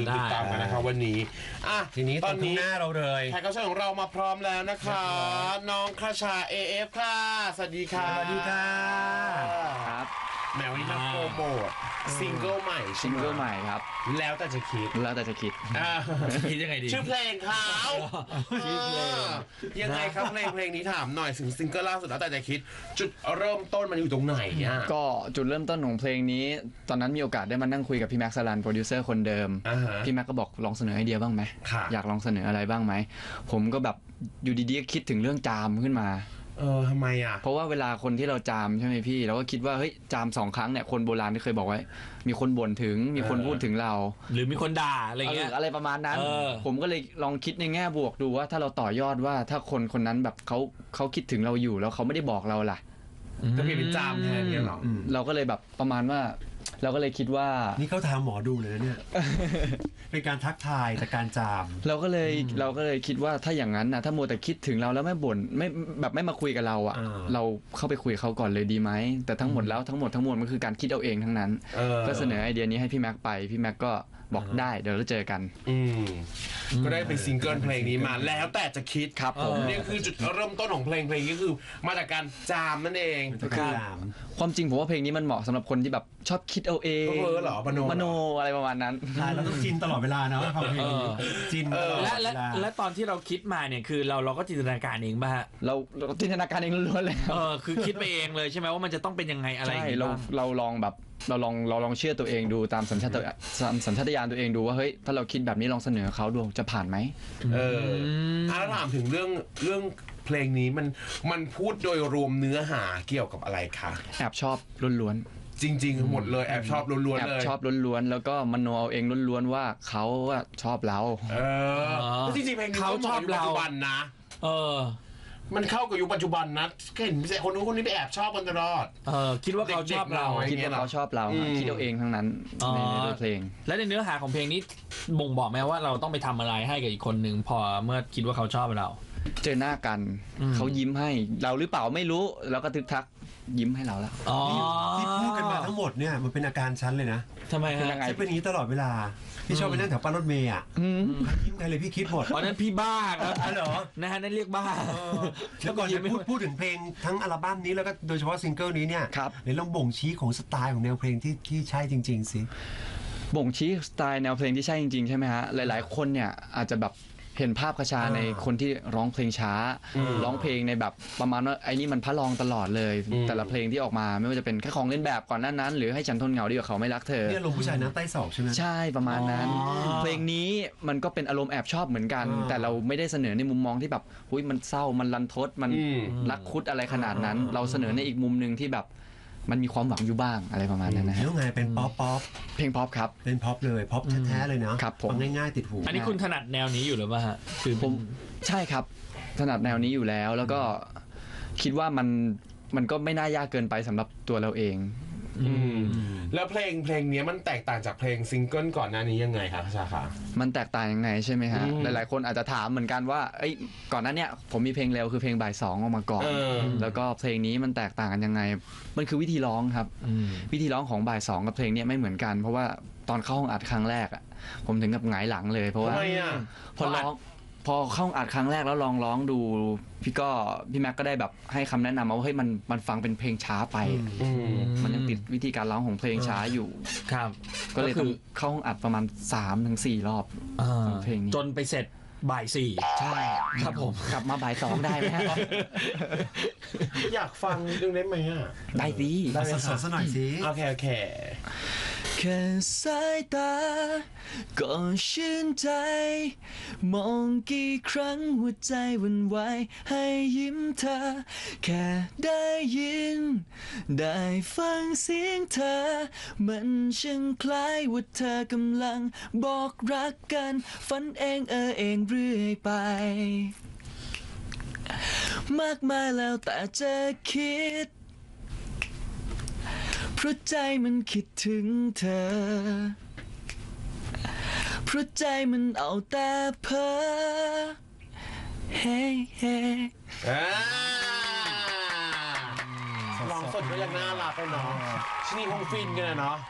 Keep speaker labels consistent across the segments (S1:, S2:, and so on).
S1: ลืมติดตามกันนะครับวันนี้
S2: ทีนี้ตอนนี้หน้าเราเลย
S1: แขกรับเชิญของเรามาพร้อมแล้วนะคะน้องคชา AF ค่ะสวัสดีค่ะ
S2: สวัสดีค่ะ
S3: ครับ
S1: แมวนี่มาโปรโมทซิงเกิลใหม่
S3: ซิงเกิลใหม่ครับ
S1: แล้วแต่จะคิด
S3: คิดยังไงดี
S1: ชื่อเพลงเขาชื่อเพลงยังไงครับเพลงนี้ถามหน่อยถึงซิงเกิลล่าสุดแล้วแต่จะคิดจุดเริ่มต้นมันอยู่ตรงไหนอ่ะ
S3: ก็จุดเริ่มต้นของเพลงนี้ตอนนั้นมีโอกาสได้มานั่งคุยกับพี่แม็กซ์สลันโปรดิวเซอร์คนเดิมพี่แม็กก็บอกลองเสนอไอเดียบ้างไหมอยากลองเสนออะไรบ้างไหมผมก็แบบอยู่ดีๆก็คิดถึงเรื่องจามขึ้นมา
S1: ทำไมอ่ะ
S3: เพราะว่าเวลาคนที่เราจามใช่ไหมพี่เราก็คิดว่าเฮ้ยจาม2 ครั้งเนี่ยคนโบราณที่เคยบอกไว้มีคนบ่นถึงมีคนพูดถึงเรา
S2: หรือมีคนด่าอะไรเงี้ย
S3: อะไรประมาณนั้นผมก็เลยลองคิดในแง่บวกดูว่าถ้าเราต่อยอดว่าถ้าคนนั้นแบบเขาคิดถึงเราอยู่แล้วเขาไม่ได้บอกเราล่ะ
S1: ก็เป็นจามแทนเนี่ยหรอ
S3: เราก็เลยแบบประมาณว่าเราก็เลยคิดว่า
S2: นี่เขาทำหมอดูเลยนะเนี่ย เป็นการทักทายแต่การจาม
S3: เราก็เลยคิดว่าถ้าอย่างนั้นนะถ้ามัวแต่คิดถึงเราแล้วไม่บ่นไม่มาคุยกับเราอ่ะเราเข้าไปคุยเขาก่อนเลยดีไหมแต่ทั้งหมดทั้งมวลมันคือการคิดเอาเองทั้งนั้นก็เสนอไอเดียนี้ให้พี่แม็กไปพี่แม็กก็บอกได้เดี๋ยวเราเจอกัน
S1: ก็ได้เป็นซิงเกิลเพลงนี้มาแล้วแต่จะคิด
S3: ครับผม
S1: นี่คือจุดเริ่มต้นของเพลงนี้คือมาจากการจามนั่นเอง
S3: ความจริงผมว่าเพลงนี้มันเหมาะสำหรับคนที่แบบชอบคิดเอาเอง
S1: เหรอมโน
S3: อะไรประมาณนั้น
S2: เราต้องจินตลอดเวลานะฟังเพลงจินและตอนที่เราคิดมาเนี่ยคือเราก็จินตนาการเองป่ะ
S3: เราจินตนาการเองล้วนๆเลย
S2: คือคิดไปเองเลยใช่ไหมว่ามันจะต้องเป็นยังไงอะไร
S3: ใช่เราลองแบบเราลองเชื่อตัวเองดูตามสัญชาตญาณตัวเองดูว่าเฮ้ยถ้าเราคิดแบบนี้ลองเสนอเขาดูจะผ่านไหม
S1: แล้วถามถึงเรื่องเพลงนี้มันพูดโดยรวมเนื้อหาเกี่ยวกับอะไรคะ
S3: แอบชอบล้วน
S1: ๆจริงๆหมดเลยแอบชอบล้วนๆเลย
S3: แอบชอบล้วนๆแล้วก็มโนเอาเองล้วนๆว่าเขาชอบเรา
S1: จริงๆเพลงนี้เขาชอบเราปัจจุบันนะมันเข้ากับยุคปัจจุบันนะเห็นคนนู้นคนนี้ไปแอบชอบกันตลอด
S2: คิดว่าเขาชอบเรา
S3: คิดว่าเขาชอบเราคิดเอาเองทั้งนั้นในเพลง
S2: และในเนื้อหาของเพลงนี้บ่งบอกไหมว่าเราต้องไปทำอะไรให้กับอีกคนหนึ่งพอเมื่อคิดว่าเขาชอบเรา
S3: เจอหน้ากันเขายิ้มให้เราหรือเปล่าไม่รู้แล้วก็ทึกทักยิ้มให้เราแล้ว
S2: ที่พูดกันมาทั้งหมดเนี่ยมันเป็นอาการชั้นเลยนะ
S3: ทำไมฮะ
S2: จะเป็นอย่างนี้ตลอดเวลาพี่ชอบไปนั่งแถวป้ายรถเมย์ยิ้มใครเลยพี่คิดหมด
S3: นั้นพี่บ้าครับ
S2: เหรอ
S3: นะฮะนั่นเรียกบ้า
S2: แล้วก่อนจะพูดถึงเพลงทั้งอัลบั้มนี้แล้วก็โดยเฉพาะซิงเกิลนี้เนี่ยในลองบ่งชี้ของสไตล์ของแนวเพลงที่ใช่จริงๆสิ
S3: บ่งชี้สไตล์แนวเพลงที่ใช่จริงๆใช่ไหมฮะหลายๆคนเนี่ยอาจจะแบบเห็นภาพคชาในคนที่ร้องเพลงช้าร้องเพลงในแบบประมาณว่าไอ้นี่มันพระรองตลอดเลยแต่ละเพลงที่ออกมาไม่ว่าจะเป็นแค่ของเล่นแบบก่อนหน้านั้นหรือให้ฉันทนเหงาดีกว่าเขาไม่รักเธอ
S2: เนี่ยลงผู้ชายน้ำใต้ศอกใช่ไหม
S3: ใช่ประมาณนั้นเพลงนี้มันก็เป็นอารมณ์แอบชอบเหมือนกันแต่เราไม่ได้เสนอในมุมมองที่แบบหุ้ยมันเศร้ามันรันทดมันรักคุดอะไรขนาดนั้นเราเสนอในอีกมุมนึงที่แบบมันมีความหวังอยู่บ้างอะไรประมาณนั้นนะฮะ
S2: แล้วไงเป็นป๊อป
S3: เพลงป๊อปครับ
S2: เป็นป๊อปเลยป๊อปแท้ๆเลยนะครับฟังง่ายๆติดหู
S3: อันนี้คุณถนัดแนวนี้อยู่หรือเปล่าฮะคือผมใช่ครับถนัดแนวนี้อยู่แล้วก็คิดว่ามันก็ไม่น่ายากเกินไปสำหรับตัวเราเอง
S1: แล้วเพลงนี้มันแตกต่างจากเพลงซิงเกิลก่อนหน้านี้ยังไงครับชาคะ
S3: มันแตกต่างยังไงใช่ไหมฮะหลายๆคนอาจจะถามเหมือนกันว่าก่อนหน้านี้ผมมีเพลงเร็วคือเพลงบ่าย2ออกมาก่อนแล้วก็เพลงนี้มันแตกต่างกันยังไงมันคือวิธีร้องครับวิธีร้องของบ่าย2กับเพลงนี้ไม่เหมือนกันเพราะว่าตอนเข้าห้องอัดครั้งแรกอ่ะผมถึงกับหงายหลังเลยเพราะว่าพอเข้าอัดครั้งแรกแล้วลองร้องดูพี่แม็กก็ได้แบบให้คำแนะนำมาว่าเฮ้ยมันฟังเป็นเพลงช้าไปมันยังติดวิธีการร้องของเพลงช้าอยู่
S2: ครับ
S3: ก็เลยต้องเข้าห้องอัดประมาณ 3-4 รอบ
S2: เพลงนี้จนไปเสร็จบ่าย4
S3: ใช่ครับผมกลับมาบ่าย2ได้ไหมฮะ
S1: อยากฟังดึงได้ไหมอ่ะ
S3: ได้สิ
S2: ได้สดๆหน่อยสิ
S1: โอเค
S3: แค่สายตาก็ชื่นใจมองกี่ครั้งหัวใจวันไหวให้ยิ้มเธอแค่ได้ยินได้ฟังเสียงเธอมันช่างคล้ายว่าเธอกำลังบอกรักกันฝันเองเองเรื่อยไปมากมายแล้วแต่จะคิดเพราะใจมันคิดถึงเธอเพราะใจมันเอาแต่เพ้อเฮ้
S1: ลองสดก็ยังน่ารักเลยเนาะชนีคงฟินกันเนาะ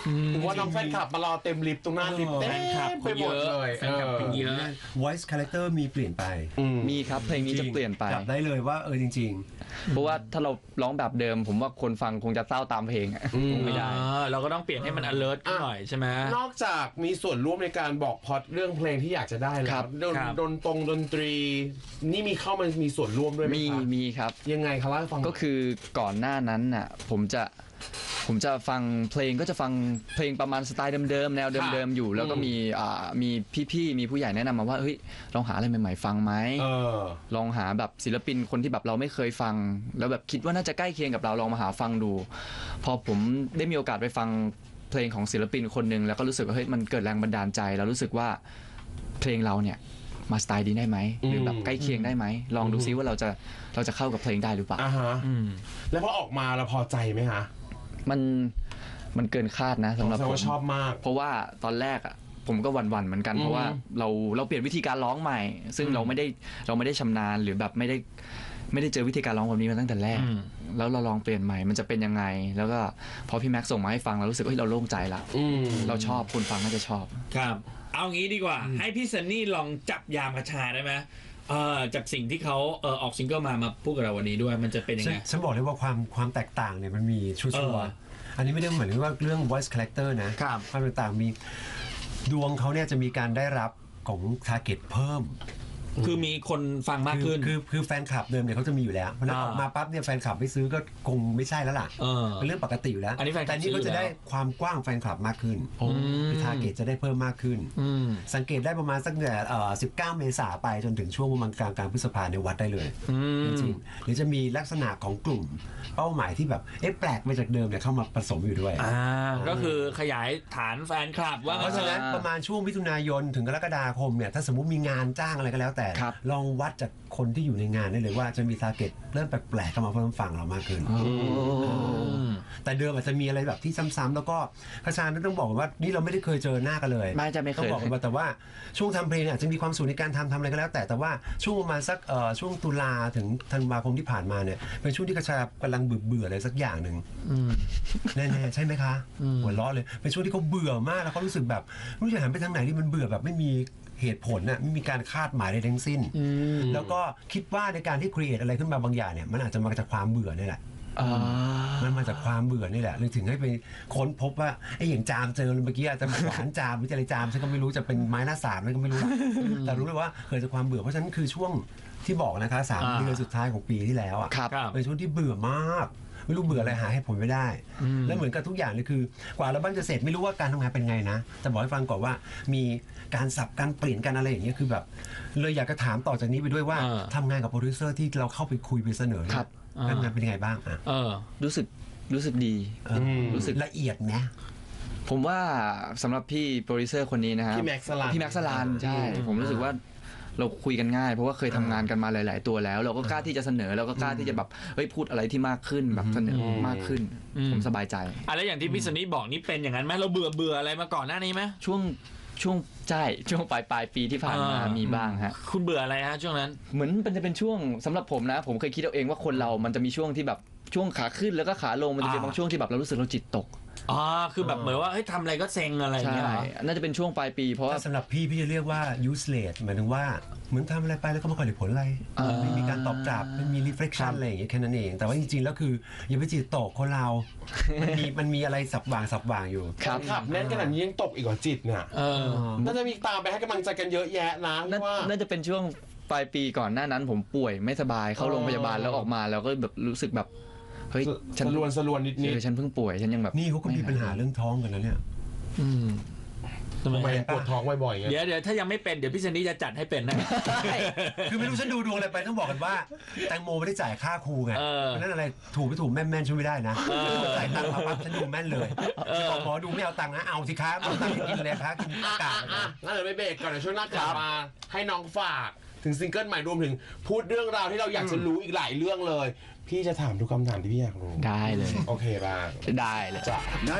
S1: ถึงว่าน้องแฟนคลับมารอเต็มลิฟต์ตรงหน้าลิฟต์เต็มไปหมดเลย
S4: แฟนคลับเยอะ
S2: voice character มีเปลี่ยนไป
S3: มีครับเพลงนี้จะเปลี่ยนไป
S2: จับได้เลยว่าจริง
S3: เพราะว่าถ้าเราร้องแบบเดิม ผมว่าคนฟังคงจะเศร้าตามเพลงคงไม่ได้
S4: เราก็ต้องเปลี่ยนให้มัน alert ขึ้นหน่อยใช่ไหม
S1: นอกจากมีส่วนร่วมในการบอกพล็อตเรื่องเพลงที่อยากจะได้แล้
S3: ครั
S1: ว
S3: บ
S1: ดนตรีนี่มีเข้ามามีส่วนร่วมด้วยไหมคะ
S3: มีครับ
S1: ยังไงคะเล่าให้ฟัง
S3: ก็คือก่อนหน้านั้นน่ะผมจะฟังเพลงก็จะฟังเพลงประมาณสไตล์เดิมๆแนวเดิมๆอยู่ แล้วก็มีพี่ๆมีผู้ใหญ่แนะนำมาว่าเฮ้ยลองหาอะไรใหม่ๆฟังไหมลองหาแบบศิลปินคนที่แบบเราไม่เคยฟัง แล้วแบบคิดว่าน่าจะใกล้เคียงกับเราลองมาหาฟังดู พอผมได้มีโอกาสไปฟังเพลงของศิลปินคนหนึ่งแล้วก็รู้สึกว่าเฮ้ยมันเกิดแรงบันดาลใจแล้วรู้สึกว่าเพลงเราเนี่ยมาสไตล์ดีได้ไหมหรือแบบใกล้เคียงได้ไหมลองดูซิว่าเราจะเข้ากับเพลงได้หรือเปล่า
S1: แล้วพอออกมาเราพอใจไหมคะ
S3: มันเกินคาดนะสำหรับผม
S1: ชอบมาก
S3: เพราะว่าตอนแรกอ่ะผมก็หวั่นๆเหมือนกันเพราะว่าเราเปลี่ยนวิธีการร้องใหม่ ซึ่งเราไม่ได้ชำนาญหรือแบบไม่ได้เจอวิธีการร้องแบบนี้มาตั้งแต่แรกแล้วเราลองเปลี่ยนใหม่มันจะเป็นยังไงแล้วก็พอพี่แม็กซ์ส่งมาให้ฟังเรารู้สึกว่าเราโล่งใจละเราชอบคนฟังน่าจะชอบ
S4: ครับเอางี้ดีกว่าให้พี่ซันนี่ลองจับยามกระชาได้ไหมจากสิ่งที่เขาออกซิงเกิลมาพูดกับเราวันนี้ด้วยมันจะเป็นยังไง
S2: ฉันบอกเลยว่าความแตกต่างเนี่ยมันมีชัวร์อันนี้ไม่ได้เหมือนว่าเรื่อง voice character นะความแตกต่างมีดวงเขาเนี่ยจะมีการได้รับของ target เพิ่ม
S4: คือมีคนฟังมากขึ้น
S2: คือแฟนคลับเดิมเนี่ยเขาจะมีอยู่แล้วเพราะนั้นออกมาปั๊บเนี่ยแฟนคลับไม่ซื้อก็คงไม่ใช่แล้วล่ะเป็นเรื่องปกติอยู่แล้วแต่นี่ก็จะได้ความกว้างแฟนคลับมากขึ้นคือทาร์เก็ตจะได้เพิ่มมากขึ้นสังเกตได้ประมาณสักเนี่ย19 เมษายนไปจนถึงช่วงประมาณกลางพฤษภาคมในวัดได้เลยจริงๆหรือจะมีลักษณะของกลุ่มเป้าหมายที่แบบแปลกไปจากเดิมเนี่ยเข้ามาผสมอยู่ด้วย
S4: ก็คือขยายฐานแฟนคลับว่า
S2: เพราะฉะนั้นประมาณช่วงมิถุนายนถึงกรกฎาคมเนี่ยถ้าสมมุติมีงานจ้างอะไรก็แล้วแต่ลองวัดจากคนที่อยู่ในงานได้เลยว่าจะมีทาร์เก็ตเริ่มแปลกๆเข้ามาเพิ่มฝั่งเรามากขึ้นแต่เดิมอาจจะมีอะไรแบบที่ซ้ำๆแล้วก็คชาญต้องบอกว่านี่เราไม่ได้เคยเจอหน้ากันเลย
S3: ไม่เคย
S2: ต้องบอกกันแต่ว่าช่วงทำเพลงอาจจะมีความสุขในการทำอะไรก็แล้วแต่ว่าช่วงประมาณสักช่วงตุลาถึงธันวาคมที่ผ่านมาเนี่ยเป็นช่วงที่คชากำลังเบื่ออะไรสักอย่างหนึ่งแน่ๆใช่ไหมคะหัวเราะเลยเป็นช่วงที่เขาเบื่อมากแล้วเขารู้สึกแบบรู้จะหันไปทางไหนที่มันเบื่อแบบไม่มีเหตุผลน่ะไม่มีการคาดหมายใดทั้งสิ้นแล้วก็คิดว่าในการที่ครีเอทอะไรขึ้นมาบางอย่างเนี่ยมันอาจจะมาจากความเบื่อนี่แหละมันมาจากความเบื่อนี่แหละเลยถึงให้ไปค้นพบว่าไอ้อย่างจามเจอเมื่อกี้อาจจะหวานจามวิจัยจามฉันก็ไม่รู้จะเป็นไม้หน้าสามอะไรก็ไม่รู้แต่รู้เลยว่าเกิดจากความเบื่อเพราะฉะนั้นคือช่วงที่บอกนะคะ3 เดือนสุดท้ายของปีที่แล้วอ่ะเป็นช่วงที่เบื่อมากไม่รู้เบื่ออะไรหาให้ผลไม่ได้แล้วเหมือนกับทุกอย่างเลยคือกว่าอัลบั้มจะเสร็จไม่รู้ว่าการทำงานเป็นไงนะแต่บอกให้ฟังก่อนว่ามีการสับการเปลี่ยนกันอะไรอย่างเงี้ยคือแบบเลยอยากจะถามต่อจากนี้ไปด้วยว่าทำงานกับโปรดิวเซอร์ที่เราเข้าไปคุยไปเสนอการงานเป็นยังไงบ้าง
S3: รู้สึกดี
S2: รู้สึกละเอียดนะ
S3: ผมว่าสำหรับพี่โปรดิวเซอร์คนนี้นะครับพี่แม็กซ์สลานใช่ผมรู้สึกว่าเราคุยกันง่ายเพราะว่าเคยทำงานกันมาหลายๆตัวแล้วเราก็กล้าที่จะเสนอเราก็กล้าที่จะแบบพูดอะไรที่มากขึ้นแบบเสนอมากขึ้นผมสบายใจ
S4: แล้วอย่างที่พี่สนิทบอกนี่เป็นอย่างนั้นไหมเราเบื่ออะไรมาก่อนหน้านี้ไหม
S3: ช่วงใช่ช่วงปลายปีที่ผ่านมามีบ้างฮะ
S4: คุณเบื่ออะไรฮะช่วงนั้น
S3: เหมือนมันจะเป็นช่วงสำหรับผมนะผมเคยคิดเอาเองว่าคนเรามันจะมีช่วงที่แบบช่วงขาขึ้นแล้วก็ขาลงมันจะเป็นบางช่วงที่แบบเรารู้สึกเราจิตตก
S4: คือแบบเหมือนว่าทำอะไรก็เซ็งอะไรอย่างเงี้ย
S3: น่าจะเป็นช่วงปลายปีเพราะว่า
S2: สำหรับพี่จะเรียกว่า useless หมายถึงว่าเหมือนทำอะไรไปแล้วก็ไม่ค่อยได้ผลอะไรไม่มีการตอบกลับไม่มี reflection อะไรอย่างเงี้ยแค่นั้นเองแต่ว่าจริงๆแล้วคืออย่าไปจิตตกคนเรามันมีอะไรสับว่างอยู่
S1: ครับแน่นขนาดนี้ยังตกอีกกว่าจิตเนี่ยน่าจะมีตามไปให้กำลังใจกันเยอะแยะนะ
S3: น่าจะเป็นช่วงปลายปีก่อนหน้านั้นผมป่วยไม่สบายเข้าโรงพยาบาลแล้วออกมาแล้วก็แบบรู้สึกแบบเฮ้ย
S1: ฉันสลวนนิด
S3: ฉันเพิ่งป่วยฉันยังแบบ
S2: นี่เขาก็มีปัญหาเรื่องท้องกันนะเนี่ย
S1: ทำไมปวดท้องบ่อยๆ
S4: เดี๋ยวถ้ายังไม่เป็นเดี๋ยวพี่ซันนี่จะจัดให้เป็นนะ
S2: คือไม่รู้ฉันดูดวงอะไรไปต้องบอกกันว่าแตงโมไม่ได้จ่ายค่าครูไงเพราะนั้นอะไรถูกไม่ถูกแม่นช่วยไม่ได้นะจ่ายตังค์มาปั๊บฉันดูแม่นเลยบอกหมอดูไม่เอาตังค์นะเอาสิครับเอาตังค์กินเลยครับกินอากาศ
S1: งั้นเดี๋ยวไปเบรกก่อนเดี๋ยวช่วงหน้ากลับมาให้น้องฝากถึงซิงเกิลใหม่รวมถึงพูดเรื่องราวที่เราอยากจะรู้อีกหลายเรื่องเลยพี่จะถามทุกคำถามที่พี่อยากรู้
S3: ได้เลย
S1: โอเคบ้าง
S3: ได้เลยจ้ะ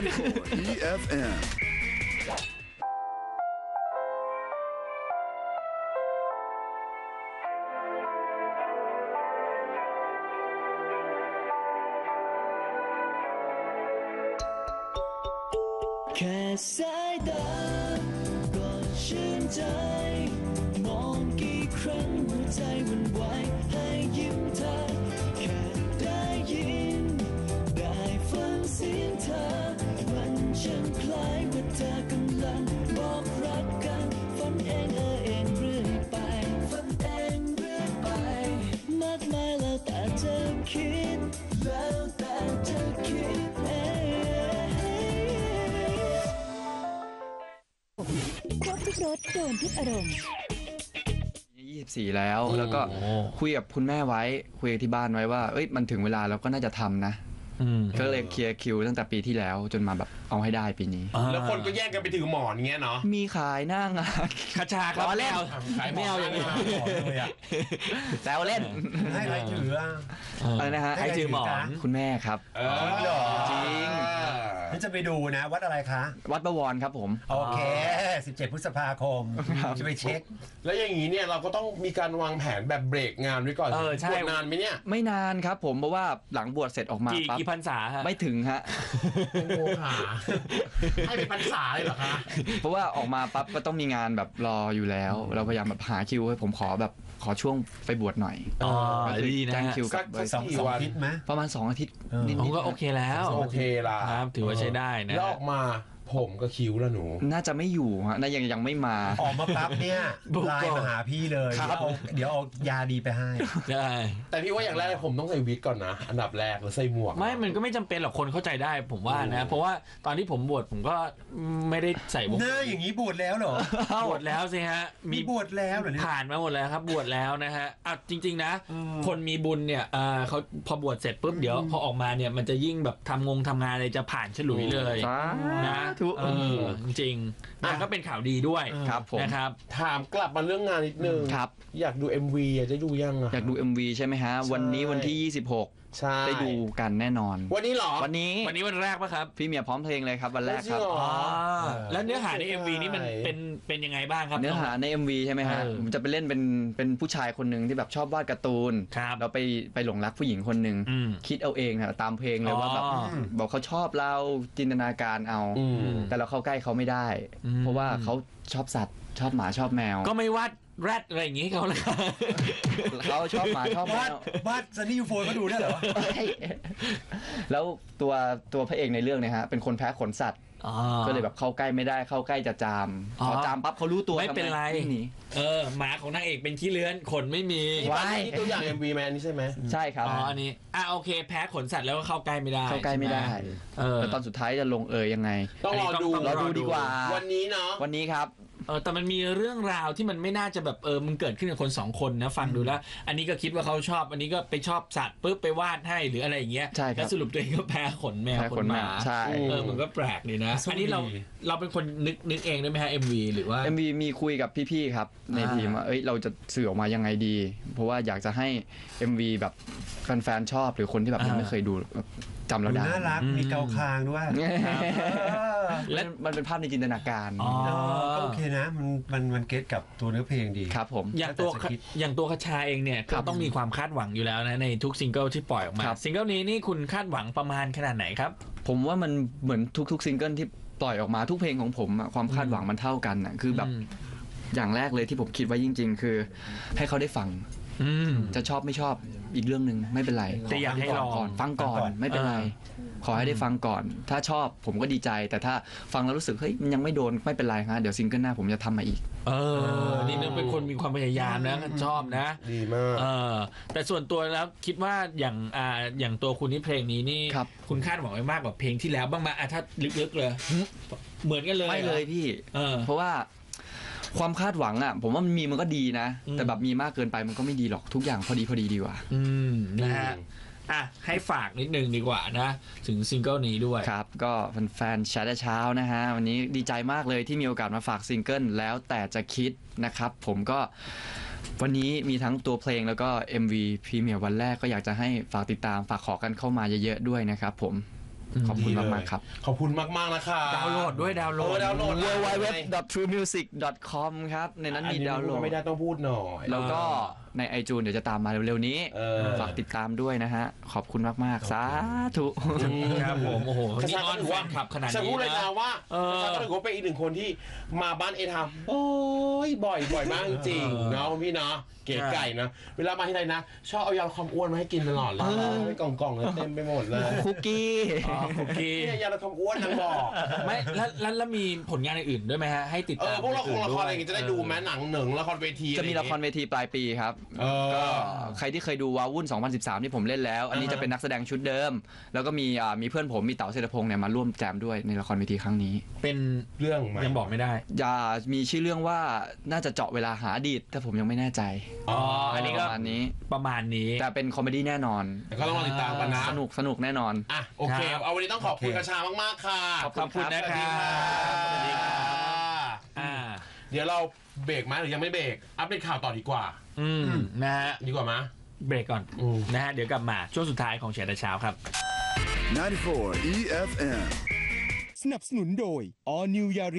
S3: 94 EFM
S5: แค่สายตาก็ชื่นใจมองกี่ครั้งหัวใจวันไหวให้ยิ้มเธอแค่ได้ยินได้ฟังเสียงเธอมันช่างคล้ายว่าเธอกำลังบอกรักกันฝันเองเองเรื่อยไปฝันเองเรื่อยไปมากมายแล้วแต่เธอคิดแล้วแต่เธอคิด
S6: ครบทุกรสโดนทุกอารมณ์
S3: 24 แล้วก็คุยกับคุณแม่ไว้คุยกับที่บ้านไว้ว่าเอ้ยมันถึงเวลาเราก็น่าจะทำนะก็เลยเคลียร์คิวตั้งแต่ปีที่แล้วจนมาแบบเอาให้ได้ปีนี้
S1: แล้วคนก็แย่งกันไปถือหมอนอย่างเงี้ยเนาะ
S3: มีขายหน้างาน
S4: คาชาครับ
S3: ล้อเล่น
S4: ไม่เอาอย่างนี้
S2: เลยอ่ะ
S3: แซวเล่น
S2: ให้ใครถืออ่ะ
S3: อะไรนะฮะ
S4: ใครถือหมอน
S3: คุณแม่ครับ
S2: เหรอ
S3: จริง
S2: นี่จะไปดูนะวัดอะไรคะ
S3: วัดประวรครับผม
S2: โอเค 17 พฤษภาคม จะไปเช็ค
S1: แล้วอย่างนี้เนี่ยเราก็ต้องมีการวางแผนแบบเบรกงานไว้ก่อน
S4: ใช่
S1: บวชนานไหมเนี่ย
S3: ไม่นานครับผมเพราะว่าหลังบวชเสร็จออกมาปั๊บ
S4: กี่พรรษาฮะ
S3: ไม่ถึงฮะ
S1: โอ้หาให้เป็นพรรษาเลยเหรอคะ
S3: เพราะว่าออกมาปั๊บก็ต้องมีงานแบบรออยู่แล้ว เราพยายามแบบหาคิวให้ผมขอช่วงไปบวชหน่อย
S4: อ๋อ
S3: ก็คือ
S4: ดีนะ
S3: แจ้ง
S4: ฮะ
S3: คิวกับ
S2: สองอาทิตย์ไหม
S3: ประมาณ2 อาทิตย์
S2: เออ
S3: นิด
S4: ผม
S3: ๆ
S4: ก็โอเคแล้ว
S1: โอเคล่ะ
S4: ครับถือว่าใช้ได้นะ
S1: แล้วออกมาผมก็คิ้วแล้วหนู
S3: น่าจะไม่อยู่ฮะน่ายังไม่มา
S2: ออกมาปั๊บเนี่ย
S4: บุก
S2: ไลน์มาหาพี่เลย
S3: ครับ
S2: เดี๋ยวเอายาดีไปให้
S4: ได้
S1: แต่พี่ว่าอย่างแรกผมต้องใส่วิกก่อนนะ อันดับแรกแล้วใส่หมวก
S4: ไม่มันก็ไม่จำเป็นหรอกคนเข้าใจได้ผมว่านะ เพราะว่าตอนที่ผมบวชผมก็ไม่ได้ใส่วง
S2: หน้าอย่างนี้บวชแล้วเหรอ
S4: บวชแล้วสิฮะ
S2: มีบวชแล้วเหรอเนี่ย
S4: ผ่านมาหมดแล้วครับบวชแล้วนะฮะอ่ะจริง ๆ นะ คนมีบุญเนี่ยเขาพอบวชเสร็จปุ๊บเดี๋ยวพอออกมาเนี่ยมันจะยิ่งแบบทำงานอะไรจะผ่านฉลุยเลย
S3: สา
S4: นะ
S3: ธุ
S4: จริงๆนะก็เป็นข่าวดีด้วย
S3: ครับผม
S4: นะครับ
S1: ถามกลับมาเรื่องงานนิดนึง
S3: ครับ
S1: อยากดู MV อ่ะจะดูยังอ่ะ
S3: อยากดู MV ใช่ไหมฮะ วันนี้วันที่ 26
S1: ใช่
S3: ได้ดูกันแน่นอน
S1: วันนี้เหรอ
S3: วันนี้
S4: วันนี้วันแรกปะครับ
S3: พี่เมียพร้อมเพลงเลยครับวันแรกครับ
S1: จริงเหรอ
S4: แล้วเนื้อหาใน MV นี่มันเป็นยังไงบ้างครับ
S3: เนื้อหาใน MV ใช่ไหมฮะ
S4: เออ
S3: ผมจะไปเล่นเป็นผู้ชายคนหนึ่งที่แบบชอบวาดการ์ตูน
S4: ครับ
S3: เราไปหลงรักผู้หญิงคนหนึ่ง
S4: อืม
S3: คิดเอาเองนะตามเพลงเลยว่าแบบ
S4: อ๋อ
S3: บอกเขาชอบเราจินตนาการเอา
S1: อืม
S3: แต่เราเข้าใกล้เขาไม่ได้ เพราะว่าเขาชอบสัตว์ ชอบหมาชอบแมว
S4: ก็ไม่วาดแรดอะไรอย่างงี้เขาเลย
S3: เขาชอบหมาชอบแม
S2: บ้าน
S3: ว
S2: บ้านซันนี่ยูโฟนก็ดูได้เหรอ
S3: แล้วตัวพระเอกในเรื่องเนี่ยฮะเป็นคนแพ้ขนสัตว์ ก็เลยแบบเข้าใกล้ไม่ได้เข้าใกล้จะจาม
S4: อ๋อ
S3: พอจามปั๊บเขารู้ตัว
S4: ไม่เป็นไร
S3: วิ่งหนี
S4: หมาของนางเอกเป็นขี้เลื้อนขนไม่มี
S3: ว้าย
S1: นี่ตัวอย่าง MV แมนนี่ใช่ไหม
S3: ใช่ครับ
S4: อันนี้โอเค แพ้ขนสัตว์แล้วก็เข้าใกล้ไม่ได้
S3: เข้าใกล้ไม่ได้
S4: ใช่หม
S3: แล้วตอนสุดท้ายจะลงยังไง
S1: ต้องรอดู
S3: รอดูดีกว่า
S1: วันนี้เนาะ
S3: วันนี้ครับ
S4: แต่มันมีเรื่องราวที่มันไม่น่าจะแบบมันเกิดขึ้นกับคนสองคนนะฟังดูแล้ว อันนี้ก็คิดว่าเขาชอบ อันนี้ก็ไปชอบสัตว์ปุ๊บไปวาดให้หรืออะไรอย่างเงี้ย
S3: ใช่ครับ
S4: แล้วสรุปตัวเองก็แพ้ขนแมว
S3: แพ้
S4: ข
S3: ข
S4: น
S3: น
S4: ห
S3: แม
S4: มาว
S3: ใช่
S4: มันก็แปลกดีนะ
S2: สู้
S4: อันนี้
S2: ดี
S4: เราเป็นคนนึกเองได้ไหมฮะ MV หรือว่า
S3: MV มีคุยกับพี่ๆครับในทีมว่าเราจะสื่อออกมายังไงดี เพราะว่าอยากจะให้ MV แบบแฟนๆชอบหรือคนที่แบบยังไม่เคยดูแบบจำเราได้
S2: น่ารักมีเกาคางด้วย
S3: และมันเป็นภาพในจินตนาการ
S4: อ๋อ
S2: ก็โอเคนะมันเก็ตกับตัวเนื้อเพลงดี
S3: ครับผม
S4: อย่างตัว
S2: แล้วแต่จะคิด
S4: อย่างตัวคชาเองเนี่ย
S3: ครั
S4: ก็
S3: บ
S4: ต้องมีความคาดหวังอยู่แล้วนะในทุกซิงเกิลที่ปล่อยออกมา
S3: ครับ
S4: ซิงเกิลนี้นี่คุณคาดหวังประมาณขนาดไหนครับ
S3: ผมว่ามันเหมือนทุกๆซิงเกิลที่ปล่อยออกมาทุกเพลงของผมอะความคาดหวังมันเท่ากันอะคือแบบอย่างแรกเลยที่ผมคิดไว้จริง ๆ คือให้เขาได้ฟัง จะชอบไม่ชอบอีกเรื่องหนึ่งไม่เป็นไร
S4: แต่อยากให้ลอง
S3: ฟังก่อนไม่เป็นไร ขอให้ได้ฟังก่อน ถ้าชอบผมก็ดีใจ แต่ถ้าฟังแล้วรู้สึกเฮ้ยมันยังไม่โดนไม่เป็นไรฮะเดี๋ยวซิงเกิลหน้าผมจะทำมาอีก
S4: นี่นึกเป็นคนมีความพยายามนะชอบนะ
S1: ดีมาก
S4: แต่ส่วนตัวแล้วคิดว่าอย่างตัวคุณนี่เพลงนี้นี่
S3: ครับ
S4: คุณคาดหวังไว้มากกว่าเพลงที่แล้วบ้างไหมถ้าลึกๆเลย เหมือนกันเลย
S3: ไม่เลยพี่ เพราะว่าความคาดหวังอ่ะผมว่ามันก็ดีนะ แต่แบบมีมากเกินไปมันก็ไม่ดีหรอกทุกอย่างพอดีดีกว่า
S4: นะฮะให้ฝากนิดนึงดีกว่านะถึงซิงเกิลนี้ด้วย
S3: ครับก็แฟนๆแชทเช้านะฮะวันนี้ดีใจมากเลยที่มีโอกาสมาฝากซิงเกิลแล้วแต่จะคิดนะครับผมก็วันนี้มีทั้งตัวเพลงแล้วก็ MV พรีเมียร์วันแรกก็อยากจะให้ฝากติดตามฝากขอกันเข้ามาเยอะๆด้วยนะครับผมขอบคุณมากๆครับ
S1: ขอบคุณมากๆนะคะ
S4: ดาวน์โหลดด้วยดาวน์โหลด
S1: ดาวน์โหลด
S3: www.truemusic.com ครับในนั้นมีดาวน์โหลด
S1: ไม่ได้ต้องพูดหน่อย
S3: แล้วก็ใน iTunes เดี๋ยวจะตามมาเร็วๆนี้ ฝากติดตามด้วยนะฮะ ขอบคุณมากๆ สาธุ
S4: ครับผมโอ้โห
S1: กระ
S4: นี่
S1: ชา
S4: ออน
S1: ถือ
S4: แฟ
S1: ว่าน
S4: คลับขนาด
S1: ฉัน
S4: นี้
S1: พูดเลย
S4: นะ
S1: นะว่ากระชาก็ถือว่าเป็นอีกหนึ่งคนที่มาบ้านเอทามโอ้ยบ่อยมากจริงๆเนาะพี่เนาะเก๋ไก่นะเวลามาที่ไหนนะชอบเอายาความอ้วนมาให้กินตลอดเลยไม่กล่องๆเลยเต็มไปหมดเลย
S3: คุกกี้
S4: คุกกี้
S1: เนี่ยยาลดความอ้วนนางบอก
S4: ไม่แล้วมีผลงานอื่นๆด้วยไหมฮะให้ติดตาม
S1: พวกละครอะไรอย่างงี้จะได้ดูไหมหนังหนึ่งละครเวที
S3: จะมีละครเวทีปลายปีครับ ก็ใครที่เคยดูวาวุ่น 2013 ที่ผมเล่นแล้ว อันนี้จะเป็นนักแสดงชุดเดิม แล้วก็มีเพื่อนผมมีเต๋าเศรษฐพงษ์เนี่ยมาร่วมแจมด้วยในละครเวทีครั้งนี้
S4: เป็น
S1: เรื่องไหม
S4: ยังบอกไม่ได้
S3: มีชื่อเรื่องว่าน่าจะเจาะเวลาหาอดีตแต่ผมยังไม่แน่ใจ
S4: อันนี้
S3: ป
S4: ก็
S3: ระมาณนี้
S4: ประมาณนี้
S3: แต่เป็นคอมเมดี้แน่นอน
S1: แต่ก็ต้องมาติดตามกันนะ
S3: สนุกแน่นอน
S1: อ่ะโอเค
S4: ครับ
S1: เอาวันนี้ต้องขอบคุณกระชามากๆค่ะ
S3: ขอบ
S4: ขอบคุณนะครับ
S1: สวัสดีค่ะ
S4: อ่า
S1: เดี๋ยวเราเบรกไหมหรือยังไม่เบรกอัปเดตข่าวต่อดีกว่า
S4: นะฮะ
S1: ดีกว่าไหม
S4: เบรกก่อนนะฮะเดี๋ยวกลับมาช่วงสุดท้ายของเช้าแต่เช้าครับ
S7: 94 EFM
S8: สนับสนุนโดย All New Yaris